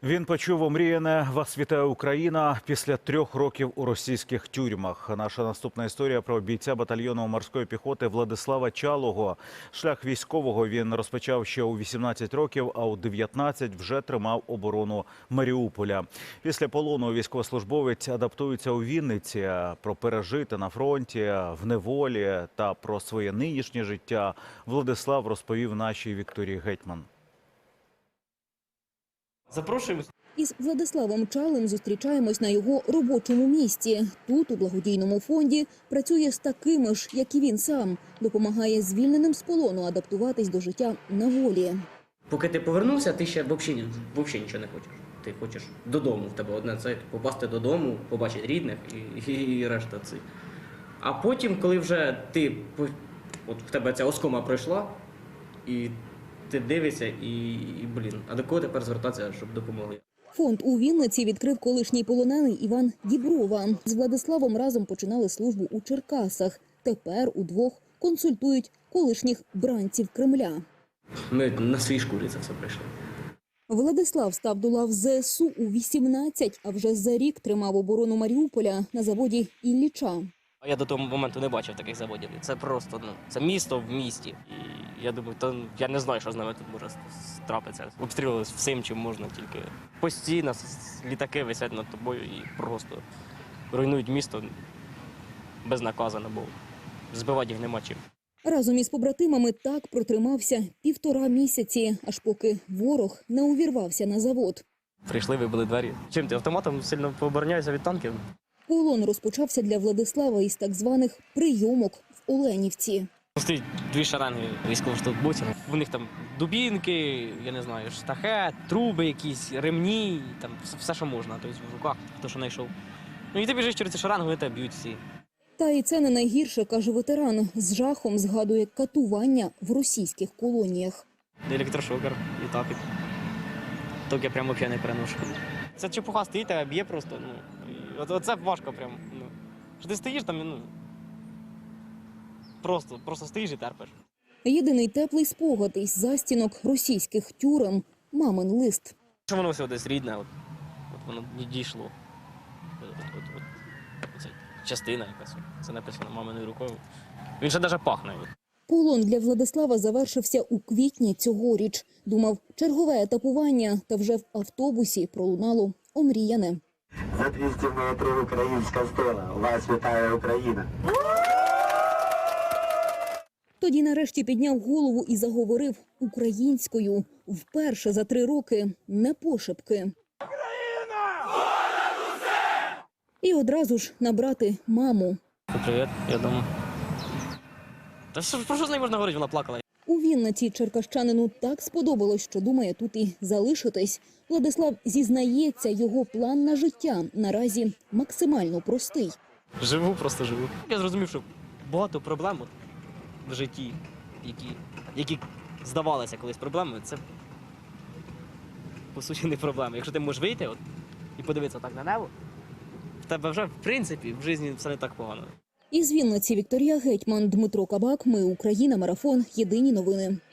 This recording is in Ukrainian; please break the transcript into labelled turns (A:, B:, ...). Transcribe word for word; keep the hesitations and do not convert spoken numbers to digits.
A: Він почув омріяне «Вас вітає Україна» після трьох років у російських тюрмах. Наша наступна історія про бійця батальйону морської піхоти Владислава Чалого. Шлях військового він розпочав ще у вісімнадцять років, а у дев'ятнадцять вже тримав оборону Маріуполя. Після полону військовослужбовець адаптується у Вінниці. Про пережите на фронті, в неволі та про своє нинішнє життя Владислав розповів нашій Вікторії Гетьман.
B: Запрошуємо.
C: Із Владиславом Чалим зустрічаємось на його робочому місці. Тут, у благодійному фонді, працює з такими ж, як і він сам. Допомагає звільненим з полону адаптуватись до життя на волі.
B: Поки ти повернувся, ти ще взагалі, взагалі нічого не хочеш. Ти хочеш додому, в тебе одне це попасти додому, побачити рідних і, і, і решта цих. А потім, коли вже ти, от в тебе ця оскома пройшла, і ти дивишся і, і, блін, а до кого тепер звертатися, щоб допомогли?
C: Фонд у Вінниці відкрив колишній полонений Іван Діброва. З Владиславом разом починали службу у Черкасах. Тепер удвох консультують колишніх бранців Кремля.
B: Ми на своїй шкурі це все пройшли.
C: Владислав став до лав зе ес у у вісімнадцять, а вже за рік тримав оборону Маріуполя на заводі Ілліча.
D: Я до того моменту не бачив таких заводів. Це просто, ну, це місто в місті. І я думаю, то я не знаю, що з нами тут може трапитися. Обстрілювали всім, чим можна, тільки постійно літаки висять над тобою і просто руйнують місто безнаказано, бо збивати їх нема чим.
C: Разом із побратимами так протримався півтора місяці, аж поки ворог не увірвався на завод.
D: Прийшли, вибили двері. Чим ти автоматом сильно пообороняєшся від танків?
C: Полон розпочався для Владислава із так званих прийомок в Оленівці.
D: Стоїть дві шеренги військовослужбовців. У них там дубінки, я не знаю, штахет, труби якісь, ремні, там все, що можна, тобто в руках, хто що знайшов. Ну і ти біжиш через ці шеренги, вони тебе б'ють всі.
C: Та і це не найгірше, каже ветеран. З жахом згадує катування в російських колоніях.
D: Електрошокер і так. Так я прямо взагалі не переношу. Це чепуха стоїть, тебе б'є просто. Ну, от, оце важко прямо. Ну. Що ти стоїш там, ну, просто, просто стоїш і терпиш.
C: Єдиний теплий спогад із застінок російських тюрем – мамин лист.
D: Що воно все десь рідне, от, от воно не дійшло. От, от, от, от, це частина якась, це написано маминою рукою. Він ще навіть пахне.
C: Полон для Владислава завершився у квітні цьогоріч. Думав, чергове етапування, та вже в автобусі пролунало омріяне.
E: За двісті метрів українська стела. Вас вітає Україна.
C: Тоді нарешті підняв голову і заговорив українською. Вперше за три роки, не пошепки. Україна! Понад усе! І одразу ж набрати маму.
D: Привіт, я дома. Та що, про що з нею можна говорити, вона плакала.
C: У Вінниці черкащанину так сподобалось, що думає тут і залишитись. Владислав зізнається, його план на життя наразі максимально простий.
D: Живу, просто живу. Я зрозумів, що багато проблем от в житті, які, які здавалися колись проблемами, це по суті не проблеми. Якщо ти можеш вийти от, і подивитися так на небо, в тебе вже, в принципі, в житті все не так погано.
C: Із Вінниці Вікторія Гетьман, Дмитро Кабак. Ми Україна. Марафон. Єдині новини.